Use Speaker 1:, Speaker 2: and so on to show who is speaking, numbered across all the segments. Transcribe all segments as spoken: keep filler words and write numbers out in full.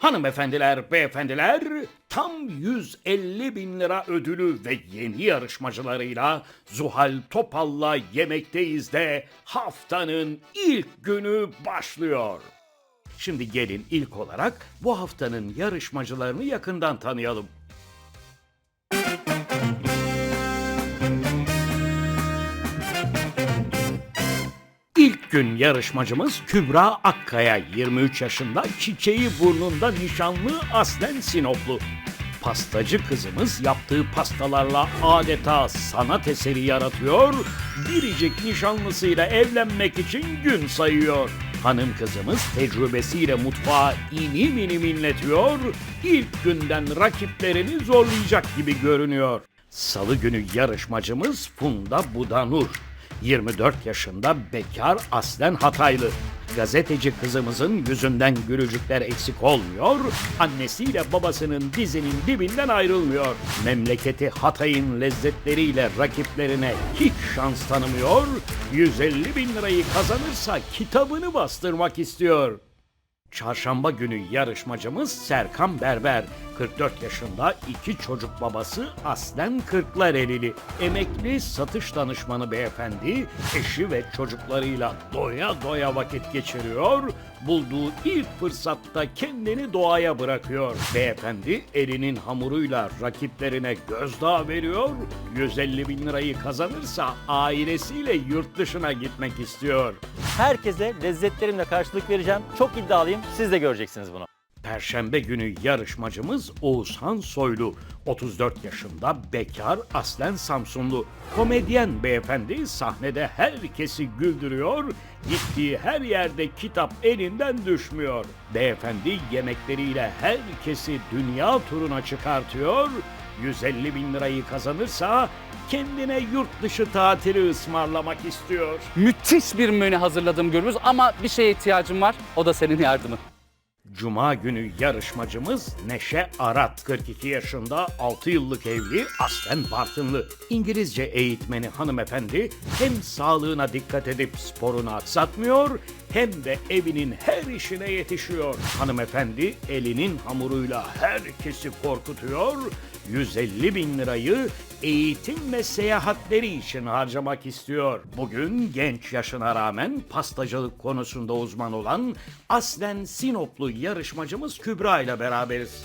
Speaker 1: Hanımefendiler, beyefendiler, tam yüz elli bin lira ödülü ve yeni yarışmacılarıyla Zuhal Topal'la Yemekteyiz de haftanın ilk günü başlıyor. Şimdi gelin ilk olarak bu haftanın yarışmacılarını yakından tanıyalım. İlk gün yarışmacımız Kübra Akkaya, yirmi üç yaşında, çiçeği burnunda, nişanlı, aslen Sinoplu. Pastacı kızımız yaptığı pastalarla adeta sanat eseri yaratıyor, biricik nişanlısıyla evlenmek için gün sayıyor. Hanım kızımız tecrübesiyle mutfağa inim inim inletiyor, ilk günden rakiplerini zorlayacak gibi görünüyor. Salı günü yarışmacımız Funda Budanur. yirmi dört yaşında, bekar, aslen Hataylı. Gazeteci kızımızın yüzünden gülücükler eksik olmuyor, annesiyle babasının dizinin dibinden ayrılmıyor. Memleketi Hatay'ın lezzetleriyle rakiplerine hiç şans tanımıyor, yüz elli bin lirayı kazanırsa kitabını bastırmak istiyor. Çarşamba günü yarışmacımız Serkan Berber. kırk dört yaşında, iki çocuk babası, aslen Kırklarelili. Emekli satış danışmanı beyefendi, eşi ve çocuklarıyla doya doya vakit geçiriyor. Bulduğu ilk fırsatta kendini doğaya bırakıyor. Beyefendi elinin hamuruyla rakiplerine gözdağı veriyor. yüz elli bin lirayı kazanırsa ailesiyle yurt dışına gitmek istiyor.
Speaker 2: Herkese lezzetlerimle karşılık vereceğim. Çok iddialıyım. Siz de göreceksiniz bunu.
Speaker 1: Perşembe günü yarışmacımız Oğuzhan Soylu. otuz dört yaşında, bekar, aslen Samsunlu. Komedyen beyefendi sahnede herkesi güldürüyor, gittiği her yerde kitap elinden düşmüyor. Beyefendi yemekleriyle herkesi dünya turuna çıkartıyor, yüz elli bin lirayı kazanırsa kendine yurt dışı tatili ısmarlamak istiyor.
Speaker 3: Müthiş bir menü hazırladım Gürbüz ama bir şeye ihtiyacım var. O da senin yardımın.
Speaker 1: Cuma günü yarışmacımız Neşe Arat. kırk iki yaşında, altı yıllık evli, aslen Bartınlı. İngilizce eğitmeni hanımefendi hem sağlığına dikkat edip sporunu aksatmıyor, hem de evinin her işine yetişiyor. Hanımefendi elinin hamuruyla herkesi korkutuyor, yüz elli bin lirayı eğitim ve seyahatleri için harcamak istiyor. Bugün genç yaşına rağmen pastacılık konusunda uzman olan aslen Sinoplu yarışmacımız Kübra ile beraberiz.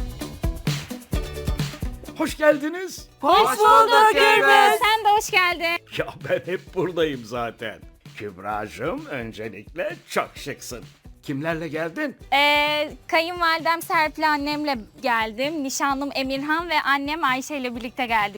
Speaker 1: Hoş geldiniz.
Speaker 4: Hoş bulduk Gürbüz. Sen de hoş geldin.
Speaker 1: Ya ben hep buradayım zaten. Kübracığım, öncelikle çok şıksın. Kimlerle geldin?
Speaker 4: Ee, kayınvalidem Serpil annemle geldim. Nişanlım Emirhan ve annem Ayşe ile birlikte geldik.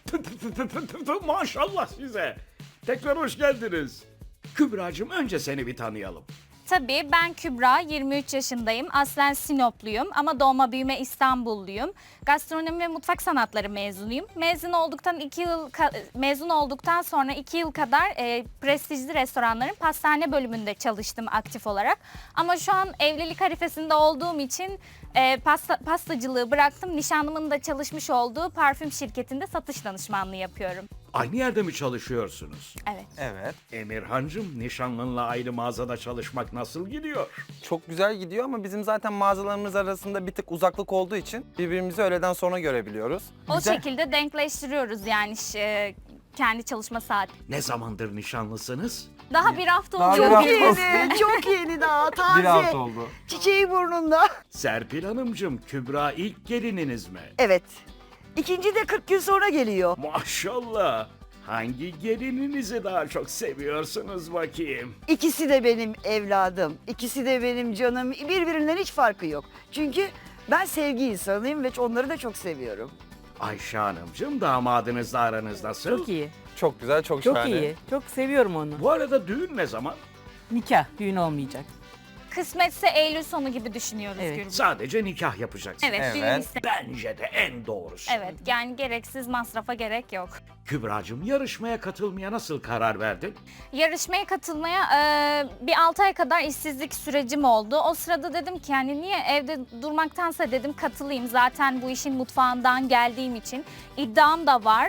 Speaker 1: Maşallah size. Tekrar hoş geldiniz. Kübracığım, önce seni bir tanıyalım.
Speaker 4: Tabii ben Kübra, yirmi üç yaşındayım. Aslen Sinopluyum ama doğma büyüme İstanbulluyum. Gastronomi ve mutfak sanatları mezunuyum. Mezun olduktan iki yıl mezun olduktan sonra iki yıl kadar e, prestijli restoranların pastane bölümünde çalıştım aktif olarak. Ama şu an evlilik arifesinde olduğum için e, pasta, pastacılığı bıraktım. Nişanlımın da çalışmış olduğu parfüm şirketinde satış danışmanlığı yapıyorum.
Speaker 1: Aynı yerde mi çalışıyorsunuz?
Speaker 4: Evet.
Speaker 5: Evet.
Speaker 1: Emirhancığım, nişanlınla aynı mağazada çalışmak nasıl gidiyor?
Speaker 5: Çok güzel gidiyor ama bizim zaten mağazalarımız arasında bir tık uzaklık olduğu için birbirimizi öğleden sonra görebiliyoruz.
Speaker 4: O
Speaker 5: Güzel.
Speaker 4: şekilde denkleştiriyoruz yani e, kendi çalışma saati.
Speaker 1: Ne zamandır nişanlısınız?
Speaker 4: Daha bir hafta
Speaker 5: Daha
Speaker 4: oluyor.
Speaker 5: bir
Speaker 6: Çok
Speaker 5: hafta
Speaker 6: yeni, çok yeni daha taze.
Speaker 5: Bir hafta oldu.
Speaker 6: Çiçeği burnunda.
Speaker 1: Serpil Hanımcığım, Kübra ilk gelininiz mi?
Speaker 6: Evet. İkinci de kırk gün sonra geliyor.
Speaker 1: Maşallah. Hangi gelininizi daha çok seviyorsunuz bakayım?
Speaker 6: İkisi de benim evladım. İkisi de benim canım. Birbirinden hiç farkı yok. Çünkü ben sevgi insanıyım ve onları da çok seviyorum.
Speaker 1: Ayşe Hanımcığım, damadınızla aranız nasıl?
Speaker 7: Çok iyi.
Speaker 5: Çok güzel, çok,
Speaker 7: Çok
Speaker 5: şahane.
Speaker 7: iyi. Çok seviyorum onu.
Speaker 1: Bu arada düğün ne zaman?
Speaker 7: Nikah, düğün olmayacak.
Speaker 4: Kısmetse Eylül sonu gibi düşünüyoruz
Speaker 7: Evet.
Speaker 4: Gürbüz.
Speaker 1: Sadece nikah yapacaksınız.
Speaker 4: Evet,
Speaker 5: Evet.
Speaker 4: düğün iste-
Speaker 1: Bence de en doğrusu.
Speaker 4: Evet, yani gereksiz masrafa gerek yok.
Speaker 1: Kübracığım, yarışmaya katılmaya nasıl karar verdin?
Speaker 4: Yarışmaya katılmaya e, bir altı ay kadar işsizlik sürecim oldu. O sırada dedim ki yani niye evde durmaktansa dedim katılayım. Zaten bu işin mutfağından geldiğim için iddiam da var.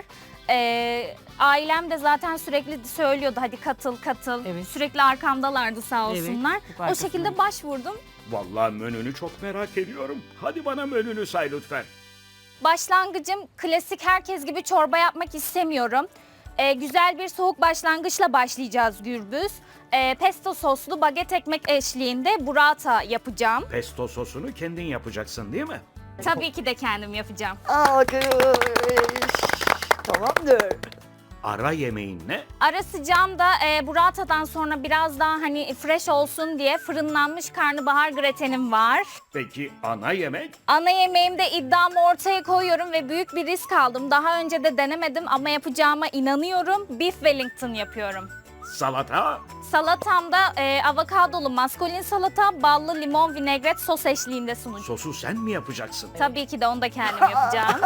Speaker 4: E, ailem de zaten sürekli söylüyordu hadi katıl katıl.
Speaker 7: Evet.
Speaker 4: Sürekli arkamdalardı sağ
Speaker 7: Evet,
Speaker 4: olsunlar.
Speaker 7: çok
Speaker 4: o
Speaker 7: arkasındayım.
Speaker 4: şekilde başvurdum.
Speaker 1: Vallahi menünü çok merak ediyorum. Hadi bana menünü say lütfen.
Speaker 4: Başlangıcım klasik herkes gibi çorba yapmak istemiyorum. Ee, güzel bir soğuk başlangıçla başlayacağız Gürbüz. Ee, pesto soslu baget ekmek eşliğinde burrata yapacağım.
Speaker 1: Pesto sosunu kendin yapacaksın değil mi?
Speaker 4: Tabii ki de kendim yapacağım.
Speaker 6: Alkış. Tamamdır.
Speaker 1: Ara yemeğin ne?
Speaker 4: Ara sıcağımda e, burratadan sonra biraz daha hani fresh olsun diye fırınlanmış karnabahar gratenim var.
Speaker 1: Peki ana yemek?
Speaker 4: Ana yemeğimde iddiamı ortaya koyuyorum ve büyük bir risk aldım. Daha önce de denemedim ama yapacağıma inanıyorum. Beef Wellington yapıyorum.
Speaker 1: Salata?
Speaker 4: Salatamda e, avokadolu maskolin salata, ballı limon vinegret sos eşliğinde sunacağım.
Speaker 1: Sosu sen mi yapacaksın?
Speaker 4: Tabii ki de onu da kendim yapacağım.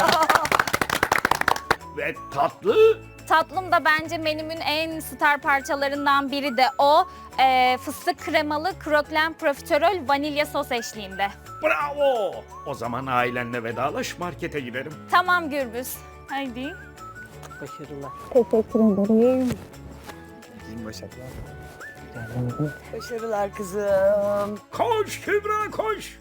Speaker 1: Ve tatlı?
Speaker 4: Tatlım da bence menümün en star parçalarından biri de o. E, fıstık kremalı kroklen profiterol vanilya sos eşliğinde.
Speaker 1: Bravo! O zaman ailenle vedalaş, markete gidelim.
Speaker 4: Tamam Gürbüz. Haydi.
Speaker 7: Başarılar.
Speaker 6: Başarılar kızım.
Speaker 1: Koş Kübra koş!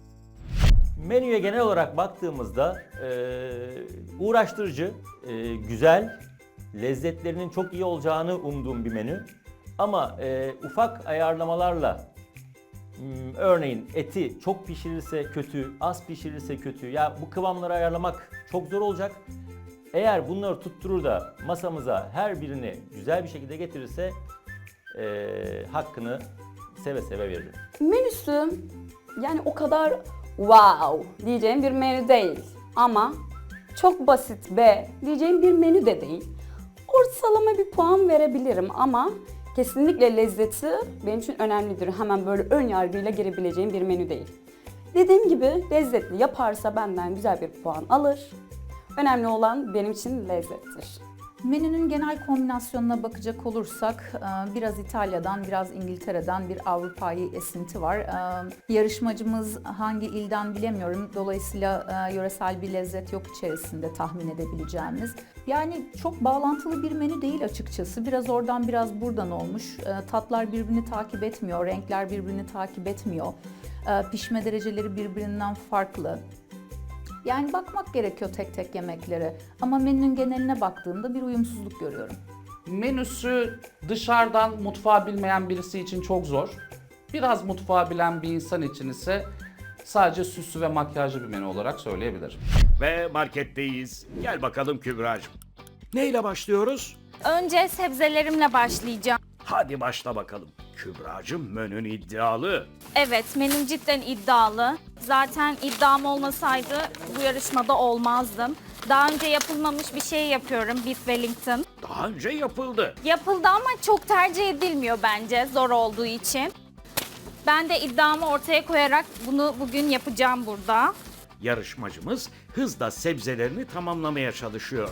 Speaker 2: Menüye genel olarak baktığımızda e, uğraştırıcı, e, güzel, lezzetlerinin çok iyi olacağını umduğum bir menü. Ama e, ufak ayarlamalarla, m, örneğin eti çok pişirirse kötü, az pişirirse kötü, ya bu kıvamları ayarlamak çok zor olacak. Eğer bunları tutturur da masamıza her birini güzel bir şekilde getirirse e, hakkını seve seve veririm.
Speaker 8: Menüsü yani o kadar wow diyeceğim bir menü değil ama çok basit be diyeceğim bir menü de değil. Ortalama bir puan verebilirim ama kesinlikle lezzeti benim için önemlidir. Hemen böyle ön yargıyla girebileceğim bir menü değil. Dediğim gibi lezzetli yaparsa benden güzel bir puan alır. Önemli olan benim için lezzettir.
Speaker 9: Menünün genel kombinasyonuna bakacak olursak biraz İtalya'dan, biraz İngiltere'den bir Avrupa'yı esinti var. Yarışmacımız hangi ilden bilemiyorum. Dolayısıyla yöresel bir lezzet yok içerisinde tahmin edebileceğimiz. Yani çok bağlantılı bir menü değil açıkçası. Biraz oradan biraz buradan olmuş. Tatlar birbirini takip etmiyor, renkler birbirini takip etmiyor. Pişme dereceleri birbirinden farklı. Yani bakmak gerekiyor tek tek yemeklere. Ama menünün geneline baktığımda bir uyumsuzluk görüyorum.
Speaker 3: Menüsü dışarıdan mutfağı bilmeyen birisi için çok zor. Biraz mutfağı bilen bir insan için ise sadece süslü ve makyajlı bir menü olarak söyleyebilirim.
Speaker 1: Ve marketteyiz. Gel bakalım Kübra'cığım. Neyle başlıyoruz?
Speaker 4: Önce sebzelerimle başlayacağım.
Speaker 1: Hadi başla bakalım. Kübra'cığım menün iddialı.
Speaker 4: Evet, menüm cidden iddialı. Zaten iddiam olmasaydı bu yarışmada olmazdım. Daha önce yapılmamış bir şey yapıyorum, Beef Wellington.
Speaker 1: Daha önce yapıldı.
Speaker 4: Yapıldı ama çok tercih edilmiyor bence, zor olduğu için. Ben de iddiamı ortaya koyarak bunu bugün yapacağım burada.
Speaker 1: Yarışmacımız hızla sebzelerini tamamlamaya çalışıyor.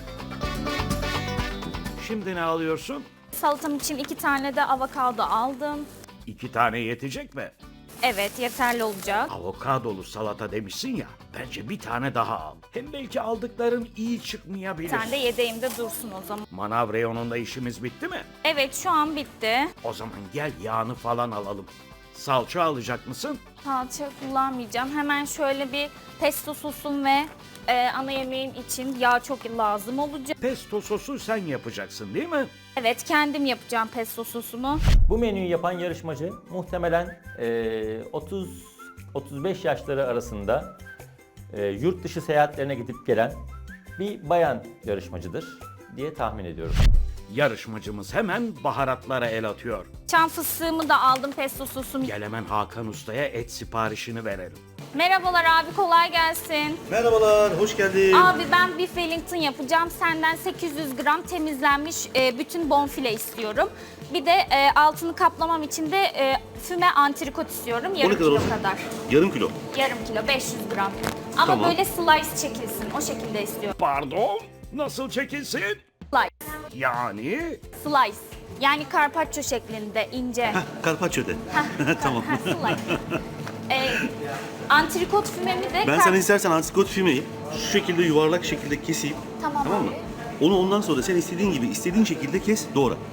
Speaker 1: Şimdi ne alıyorsun?
Speaker 4: Salatam için iki tane de avokado aldım.
Speaker 1: İki tane yetecek mi?
Speaker 4: Evet, yeterli olacak.
Speaker 1: Avokadolu salata demişsin ya, bence bir tane daha al. Hem belki aldıkların iyi
Speaker 4: Bir
Speaker 1: çıkmayabilir.
Speaker 4: tane de yedeğimde dursun o zaman.
Speaker 1: Manav reyonunda işimiz bitti mi?
Speaker 4: Evet, şu an bitti.
Speaker 1: O zaman gel yağını falan alalım. Salça alacak mısın?
Speaker 4: Salça kullanmayacağım. Hemen şöyle bir pesto sosum ve e, ana yemeğim için yağ çok lazım olacak.
Speaker 1: Pesto sosu sen yapacaksın değil mi?
Speaker 4: Evet, kendim yapacağım pesto sosumu.
Speaker 2: Bu menüyü yapan yarışmacı muhtemelen otuz otuz beş yaşları arasında e, yurt dışı seyahatlerine gidip gelen bir bayan yarışmacıdır diye tahmin ediyorum.
Speaker 1: Yarışmacımız hemen baharatlara el atıyor.
Speaker 4: Çam fıstığımı da aldım, pesto sosumu.
Speaker 1: Gel hemen Hakan Usta'ya et siparişini verelim.
Speaker 4: Merhabalar abi, kolay gelsin.
Speaker 10: Merhabalar, hoş geldin.
Speaker 4: Abi ben Beef Wellington yapacağım. Senden sekiz yüz gram temizlenmiş e, bütün bonfile istiyorum. Bir de e, altını kaplamam için de e, füme antrikot istiyorum. Yarım
Speaker 10: kadar
Speaker 4: kilo
Speaker 10: olsun?
Speaker 4: kadar.
Speaker 10: Yarım kilo.
Speaker 4: Yarım kilo, beş yüz gram. Ama
Speaker 10: Tamam.
Speaker 4: böyle slice çekilsin. O şekilde istiyorum.
Speaker 1: Pardon, nasıl çekilsin?
Speaker 4: Slice.
Speaker 1: Yani
Speaker 4: Slice. Yani carpaccio şeklinde, ince.
Speaker 10: Heh, Carpaccio de. Tamam.
Speaker 4: Ha, slice. e, antrikot fümemi de...
Speaker 10: Ben
Speaker 4: kar-
Speaker 10: sana istersen antrikot fümeyi şu şekilde yuvarlak şekilde keseyim.
Speaker 4: Tamam
Speaker 10: Tamam mı?
Speaker 4: abi.
Speaker 10: Onu ondan sonra sen istediğin gibi, istediğin şekilde kes, doğra.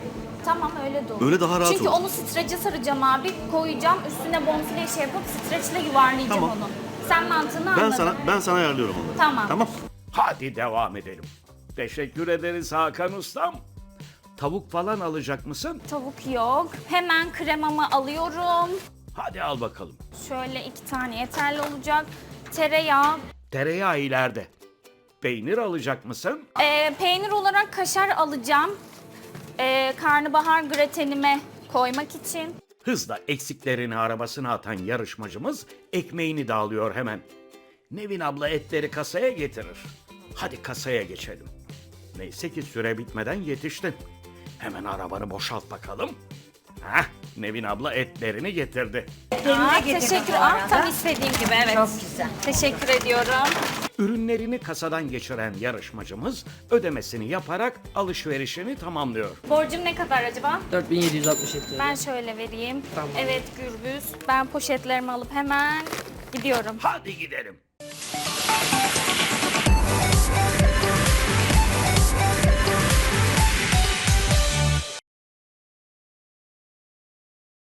Speaker 4: Tamam öyle de olur.
Speaker 10: Öyle daha rahat
Speaker 4: Çünkü
Speaker 10: olur.
Speaker 4: onu streçe saracağım abi. Koyacağım. Üstüne bonfile şey yapıp streçle yuvarlayacağım
Speaker 10: Tamam.
Speaker 4: onu. Sen mantığını
Speaker 10: Ben
Speaker 4: anladın.
Speaker 10: sana ben sana ayarlıyorum onları.
Speaker 4: Tamam.
Speaker 10: Tamam.
Speaker 1: Hadi devam edelim. Teşekkür ederiz Hakan Ustam. Tavuk falan alacak mısın?
Speaker 4: Tavuk yok. Hemen kremamı alıyorum.
Speaker 1: Hadi al bakalım.
Speaker 4: Şöyle iki tane yeterli olacak. Tereyağı.
Speaker 1: Tereyağı ileride. Peynir alacak mısın?
Speaker 4: Ee, peynir olarak kaşar alacağım. Ee, karnabahar gratenime koymak için.
Speaker 1: Hızla eksiklerini arabasına atan yarışmacımız ekmeğini de alıyor hemen. Nevin abla etleri kasaya getirir. Hadi kasaya geçelim. Neyse ki süre bitmeden yetiştin. Hemen arabanı boşalt bakalım. Hah, Nevin abla etlerini getirdi.
Speaker 4: Aa, teşekkür. Ah, tam istediğim gibi evet.
Speaker 6: Çok güzel.
Speaker 4: Teşekkür ediyorum.
Speaker 1: Ürünlerini kasadan geçiren yarışmacımız ödemesini yaparak alışverişini tamamlıyor.
Speaker 4: Borcum ne kadar acaba?
Speaker 11: dört bin yedi yüz altmış yedi lira.
Speaker 4: Ben şöyle vereyim.
Speaker 11: Tamam.
Speaker 4: Evet Gürbüz. Ben poşetlerimi alıp hemen gidiyorum.
Speaker 1: Hadi gidelim.